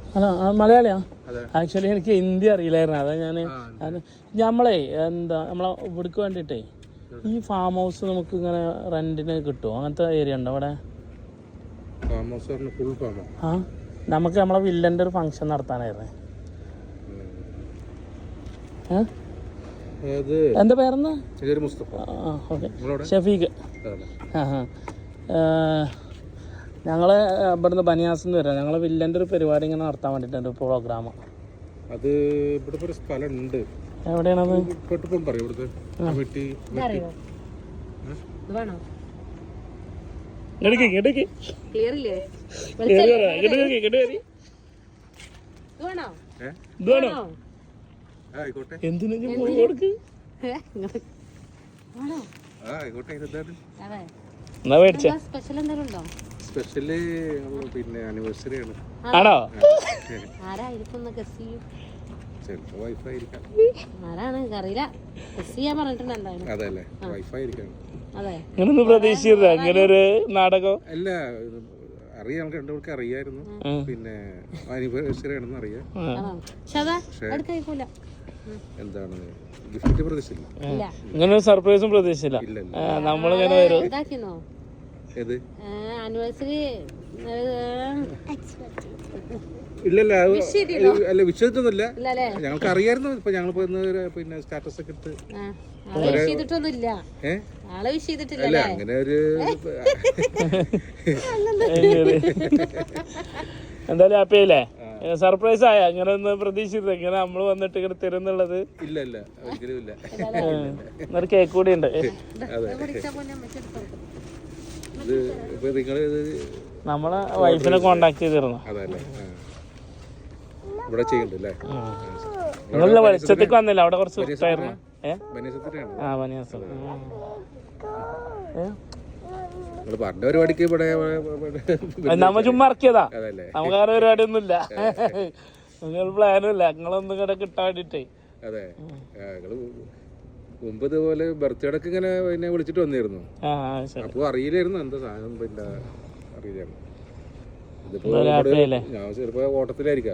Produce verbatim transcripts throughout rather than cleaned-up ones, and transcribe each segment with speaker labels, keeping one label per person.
Speaker 1: അല്ല മലയാളിയാ? ആക്ച്വലി എനിക്ക് ഹിന്ദി അറിയില്ലായിരുന്നു. അതാ ഞാൻ നമ്മളെ എന്താ നമ്മളെ ഇവിടേക്ക് വേണ്ടിയിട്ടേ ഈ ഫാം ഹൗസ് നമുക്ക് ഇങ്ങനെ റെന്റിന് കിട്ടുമോ? അങ്ങനത്തെ ഏരിയ ഉണ്ടോ അവിടെ? ആ നമുക്ക് നമ്മളെ വില്ലന്റെ ഒരു ഫംഗ്ഷൻ നടത്താനായിരുന്നേ. എന്താ പേരെന്നാ? ഷഫീഖ്. ആ ഹാ ഞങ്ങള് ഇവിടുന്ന് ബനിയാസിന്ന് വരാം. ഞങ്ങളെ വില്ലന്റെ ഒരു പരിപാടി ഇങ്ങനെ നടത്താൻ വേണ്ടിട്ടുണ്ട്, ഒരു പ്രോഗ്രാം.
Speaker 2: അത് ഇവിടെ ഒരു സ്ഥലമുണ്ട്.
Speaker 1: എവിടെയാണത്?
Speaker 2: സ്പെഷ്യല് പിന്നെ ആനിവേഴ്സറി ആണ്.
Speaker 1: ആണോ?
Speaker 2: ചിലപ്പോ വൈഫായിരിക്കാം. അതല്ലേ വൈഫായിരിക്കാം.
Speaker 1: ഇങ്ങനൊന്നും പ്രതീക്ഷിച്ചില്ല അങ്ങനെ ഒരു നാടകം.
Speaker 2: അല്ല അറിയാം, നമുക്ക് രണ്ടുപേർക്ക് അറിയായിരുന്നു. പിന്നെ ആനിവേഴ്സറി ആണെന്ന് അറിയാം. എന്താണ് ഗിഫ്റ്റ് പ്രതീക്ഷിച്ചില്ല.
Speaker 1: ഇങ്ങനെ ഒരു സർപ്രൈസും പ്രതീക്ഷിച്ചില്ല. നമ്മളിങ്ങനെ വരും.
Speaker 2: ഏത്
Speaker 3: ആനിവേഴ്സറി
Speaker 2: ഇല്ലല്ല അല്ല വിശ്വസിച്ചൊന്നുമില്ല. ഞങ്ങൾക്ക് അറിയായിരുന്നു. ഇപ്പൊ ഞങ്ങൾ പിന്നെ സ്റ്റാറ്റസ് ഒക്കെ ഇട്ട് അല്ല അങ്ങനെ ഒരു
Speaker 1: എന്തായാലും ഹാപ്പിയല്ലേ? സർപ്രൈസ് ആയ അങ്ങനെ ഒന്ന് പ്രതീക്ഷിച്ചത് ഇങ്ങനെ നമ്മള് വന്നിട്ട് ഇങ്ങനെ തരുന്നുള്ളത്.
Speaker 2: ഇല്ല ഇല്ല ഒരിക്കലും ഇല്ല.
Speaker 1: ഒരു കേക്ക് കൂടി ഉണ്ട്. നമ്മളെ വൈഫിനെ കോണ്ടാക്ട് ചെയ്തിരുന്നു. നിങ്ങളുടെ വെളിച്ചത്തേക്ക് വന്നില്ല, അവിടെ കുറച്ച് ഇഷ്ടമായിരുന്നു. ആ ബനിയാസ്
Speaker 2: പറഞ്ഞ പരിപാടിക്ക് ഇവിടെ
Speaker 1: നമ്മ ചുമ്മാ ഇറക്കിയതാ. നമുക്ക് അങ്ങനെ പരിപാടി ഒന്നുമില്ല, നിങ്ങൾ പ്ലാനും ഇല്ല. നിങ്ങളൊന്നും കൂടെ കിട്ടാൻ വേണ്ടിട്ടേ.
Speaker 2: അതെ മുമ്പ് ഇതുപോലെ ബർത്ത്ഡേക്ക് ഇങ്ങനെ പിന്നെ വിളിച്ചിട്ട് വന്നിരുന്നു. അപ്പൊ അറിയില്ലായിരുന്നു എന്താ സാധനം, പിന്നെ അറിയില്ലായിരുന്നു. ഇതിപ്പോ ഞാൻ ചിലപ്പോ ഓട്ടത്തിലായിരിക്കാം.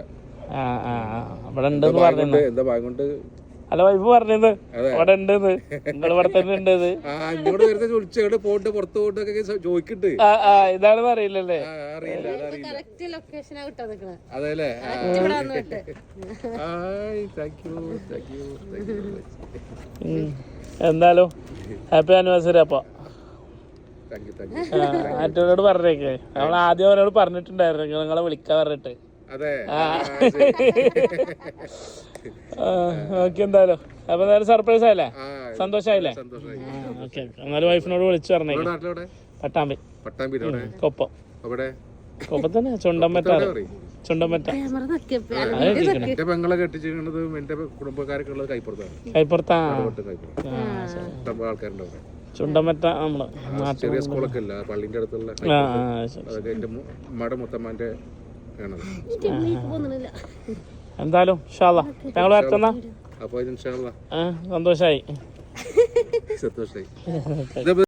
Speaker 2: എന്താ ഭാഗം കൊണ്ട്
Speaker 1: അല്ല വൈഫ് പറഞ്ഞത് അവിടെ ഉണ്ടെന്ന്, നിങ്ങൾ ഇവിടെ തന്നെ ഉണ്ട്.
Speaker 2: ഇങ്ങോട്ട് വരുന്ന വിളിച്ചോട്ട് പോയിട്ട് പുറത്ത് പോയിട്ടൊക്കെ ചോദിക്കട്ട്
Speaker 1: ഇതാണെന്ന് അറിയില്ലല്ലേ?
Speaker 2: അറിയില്ല. അതെല്ലേ?
Speaker 1: എന്തായാലും ഹാപ്പി ആനിവേഴ്സറി. അപ്പൊ മറ്റവരോട് പറഞ്ഞേക്ക്, നമ്മൾ ആദ്യം അവരോട് പറഞ്ഞിട്ടുണ്ടായിരുന്നു നിങ്ങളെ വിളിക്കാൻ പറഞ്ഞിട്ട്. ഓക്കെ എന്തായാലും അപ്പൊ എന്തായാലും സർപ്രൈസ് ആയില്ലേ? സന്തോഷായില്ലേ? ഓക്കെ എന്നാലും വൈഫിനോട് വിളിച്ചു പറഞ്ഞേക്ക്. പട്ടാമ്പി കൊപ്പം കൊപ്പം തന്നെ ചുണ്ടമ്പറ്റ ചുണ്ടമ്പറ്റ
Speaker 2: പെങ്ങളെ കെട്ടിച്ചിരുന്നത് എന്റെ കുടുംബക്കാരൊക്കെ ഉള്ളത് കൈപ്പുറത്താണ്.
Speaker 1: കൈപ്പുറത്താ
Speaker 2: ആൾക്കാരുണ്ട് അവിടെ.
Speaker 1: ചുണ്ടമ്പറ്റ നമ്മള്
Speaker 2: ചെറിയ സ്കൂളൊക്കെ ഇല്ല പള്ളിന്റെ അടുത്തുള്ള അതൊക്കെ എന്റെ ഉമ്മയുടെ മുത്തമ്മന്റെ ആണ്.
Speaker 1: എന്തായാലും ഞങ്ങൾ വരത്തുന്ന
Speaker 2: അപ്പൊ
Speaker 1: സന്തോഷായി
Speaker 2: സന്തോഷായി.